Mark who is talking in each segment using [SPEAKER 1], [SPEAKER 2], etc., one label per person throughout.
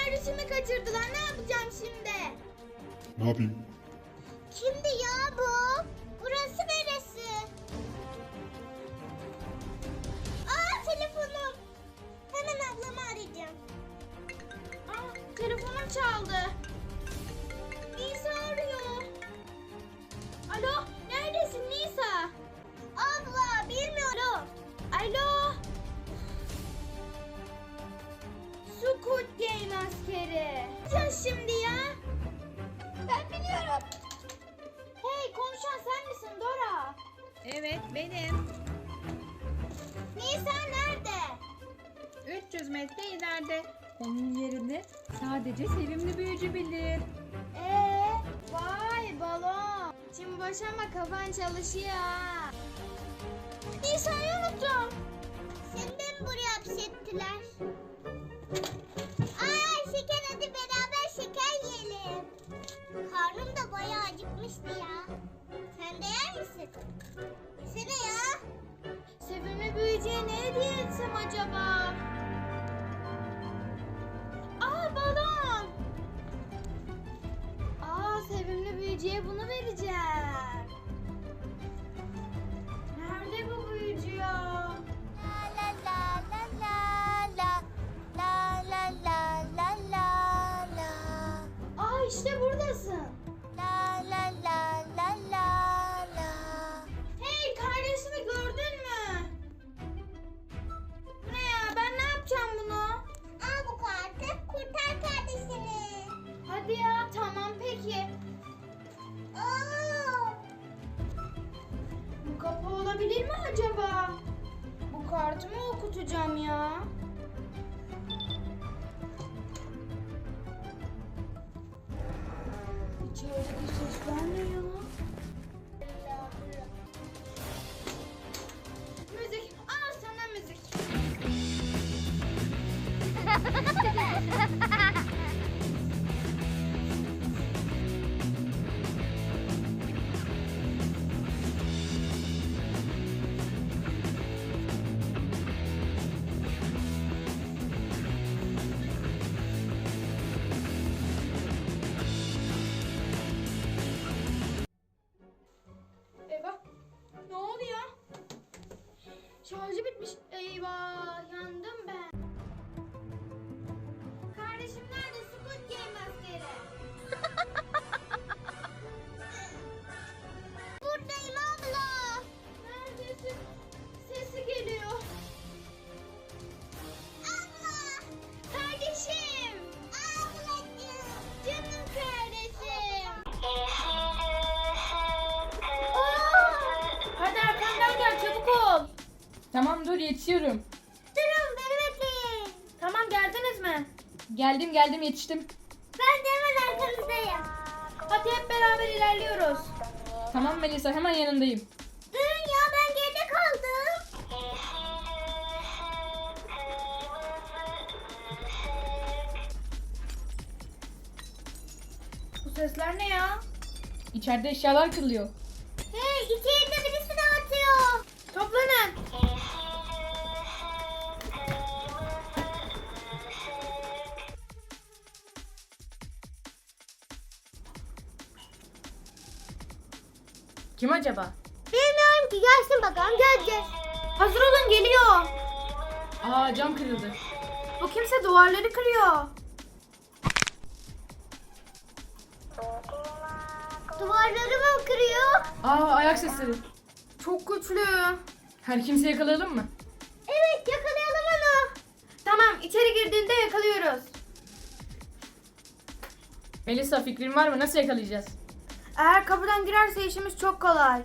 [SPEAKER 1] kardeşimi kaçırdılar. Ne yapacağım şimdi?
[SPEAKER 2] Ne yapayım?
[SPEAKER 1] Kimdi ya bu? Burası neresi? Aa, telefonum. Hemen ablamı arayacağım. Aa, telefonum çaldı. Nisa arıyor. Alo, neredesin Nisa? Abla, bilmiyorum. Alo. Squid Game askeri. Ne yapacağız şimdi ya? Ben biliyorum. Hey, konuşan sen misin Dora?
[SPEAKER 3] Evet benim.
[SPEAKER 1] Nisa nerede?
[SPEAKER 3] 300 metre ileride. Onun yerini sadece sevimli büyücü bilir.
[SPEAKER 1] Vay balon. Şimdi boş ama kafan çalışıyor ha. Nisa'yı unuttum. Seni de mi buraya hapsettiler? Ay şeker, hadi beraber şeker yiyelim. Karnım da bayağı acıkmıştı ya. Sen de yer misin? Yesene ya. Sevimli büyücüye ne hediye etsem acaba? Aa, balon. Aa, sevimli büyücüye bunu vereceğim. Nerede bu büyücü ya? La la la la la la la la la la la. Aa, işte buradasın. La la la la la la. Hey, kardeşimi gördün mü? Ne ya, ben ne yapacağım bunu? Al bu kartı, kurtar kardeşini. Hadi ya, tamam peki. Bu kapı olabilir mi acaba? Bu kartı mı okutacağım ya? İçerideki sesler ne ya? Müzik, al sana müzik. Eyvah. Ne oldu ya? Şarjı bitmiş. Eyvah, yandım ben. Kardeşim nerede? Squid Game askeri. Buradayım abla. Neredesin? Sesi geliyor. Abla. Kardeşim. Ablacığım. Canım kardeşim.
[SPEAKER 3] Hadi arkamdan gel, çabuk ol. Tamam dur, yetişiyorum.
[SPEAKER 1] Durun, beni bekleyin.
[SPEAKER 3] Tamam, geldiniz mi? Geldim yetiştim.
[SPEAKER 1] Ben de hemen arkanızdayım.
[SPEAKER 3] Hadi hep beraber ilerliyoruz. Tamam Melisa, hemen yanındayım.
[SPEAKER 1] Durun ya, ben geride kaldım.
[SPEAKER 3] Bu sesler ne ya? İçeride eşyalar kırılıyor.
[SPEAKER 1] Hey, içeride birisi dağıtıyor.
[SPEAKER 3] Toplanın. Kim acaba?
[SPEAKER 1] Bilmiyorum ki, gelsin bakalım, göreceğiz.
[SPEAKER 3] Hazır olun, geliyor. Aa, cam kırıldı. Bu kimse duvarları kırıyor.
[SPEAKER 1] Duvarları mı kırıyor?
[SPEAKER 3] Aa, ayak sesleri. Çok güçlü. Her kimse yakalayalım mı?
[SPEAKER 1] Evet, yakalayalım onu.
[SPEAKER 3] Tamam, içeri girdiğinde yakalıyoruz. Melisa, fikrin var mı? Nasıl yakalayacağız? Eğer kapıdan girerse işimiz çok kolay.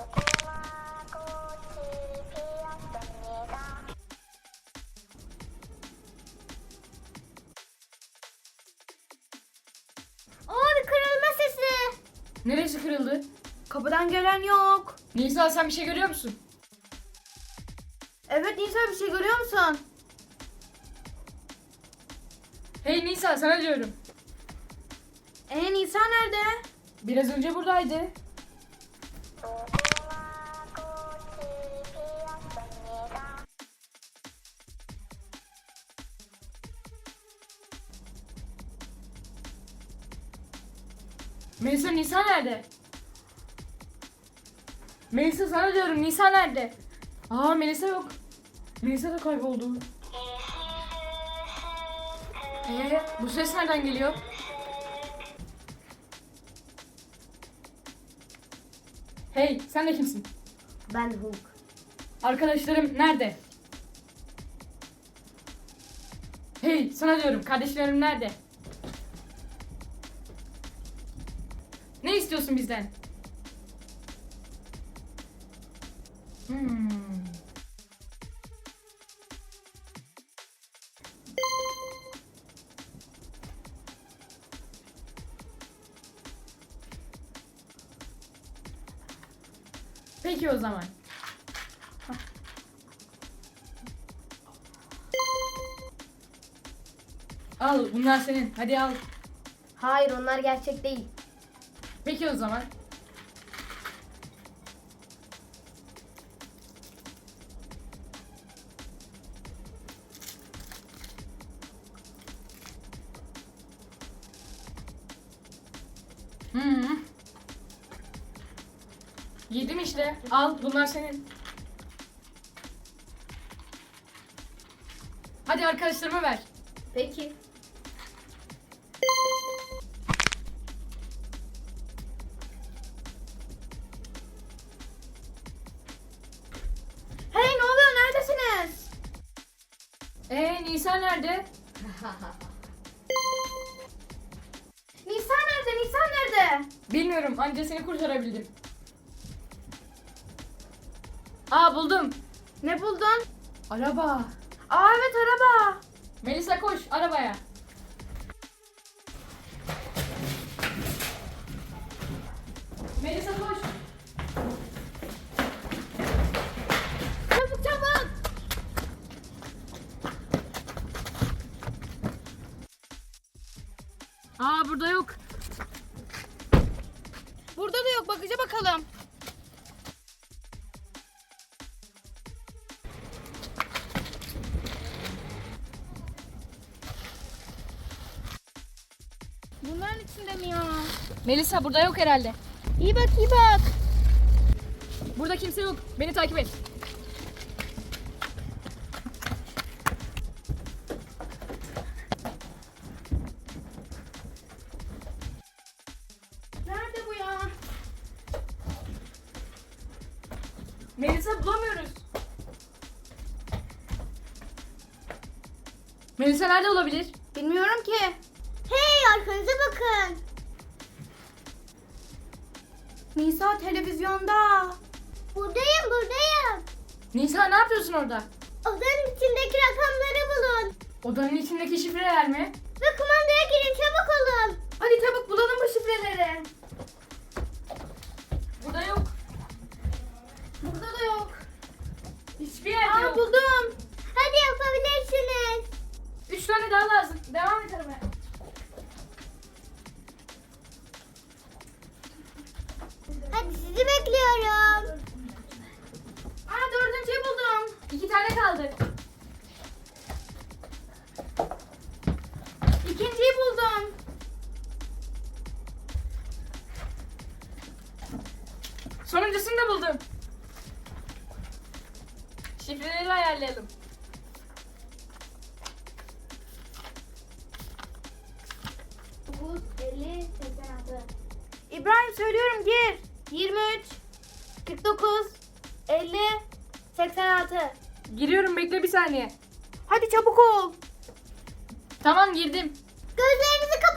[SPEAKER 1] Aa, bir kırılma sesi.
[SPEAKER 3] Neresi kırıldı? Kapıdan gelen yok. Nisa, sen bir şey görüyor musun? Evet Nisa, bir şey görüyor musun? Hey Nisa, sana diyorum. Nisa nerede? Biraz önce buradaydı.
[SPEAKER 2] Melisa, Nisa nerede? Melisa, sana diyorum, Nisa nerede? Aa, Melisa yok. Melisa da kayboldu. Bu ses nereden geliyor? Hey, sen de kimsin?
[SPEAKER 1] Ben Hulk.
[SPEAKER 2] Arkadaşlarım nerede? Hey, sana diyorum, kardeşlerim nerede? Ne istiyorsun bizden? Peki o zaman. Al, bunlar senin. Hadi al.
[SPEAKER 1] Hayır, onlar gerçek değil.
[SPEAKER 2] Peki o zaman. Yedim işte. Al, bunlar senin. Hadi arkadaşlarıma ver.
[SPEAKER 1] Peki. Hey, ne oluyor? Neredesiniz?
[SPEAKER 2] Nisa nerede?
[SPEAKER 1] Nisa nerede? Nisa nerede?
[SPEAKER 2] Bilmiyorum, anca seni kurtarabildim. Aa, buldum.
[SPEAKER 1] Ne buldun?
[SPEAKER 2] Araba.
[SPEAKER 1] Aa, evet, araba.
[SPEAKER 2] Melisa, koş arabaya. Melisa, koş.
[SPEAKER 1] Çabuk çabuk.
[SPEAKER 2] Aa, burada yok.
[SPEAKER 1] Burada da yok. Bakıca bakalım. Bunların içinde mi ya?
[SPEAKER 2] Melisa, burada yok herhalde.
[SPEAKER 1] İyi bak, iyi bak.
[SPEAKER 2] Burada kimse yok. Beni takip et.
[SPEAKER 1] Nerede bu ya?
[SPEAKER 2] Melisa, bulamıyoruz. Melisa nerede olabilir?
[SPEAKER 1] Bilmiyorum ki. Hey, arkanıza bakın. Nisa televizyonda. Buradayım.
[SPEAKER 2] Nisa, ne yapıyorsun orada?
[SPEAKER 1] Odanın içindeki rakamları bulun.
[SPEAKER 2] Odanın içindeki şifreler mi?
[SPEAKER 1] Ve kumandaya girin, çabuk olun. Hadi çabuk bulalım bu şifreleri.
[SPEAKER 2] Burada yok.
[SPEAKER 1] Burada da yok.
[SPEAKER 2] Hiçbir yerde yok.
[SPEAKER 1] Buldum. Hadi yapabilirsiniz.
[SPEAKER 2] 3 tane daha lazım. Devam et aramaya.
[SPEAKER 1] Hadi sizi bekliyorum. Dördüncüyü buldum.
[SPEAKER 2] 2 tane kaldı.
[SPEAKER 1] İkinciyi buldum.
[SPEAKER 2] Sonuncusunu da buldum. Şifreleri ayarlayalım.
[SPEAKER 1] İbrahim, söylüyorum, gir. 23 49 50 86.
[SPEAKER 2] Giriyorum, bekle bir saniye.
[SPEAKER 1] Hadi çabuk ol.
[SPEAKER 2] Tamam, girdim.
[SPEAKER 1] Gözlerinizi kapatın.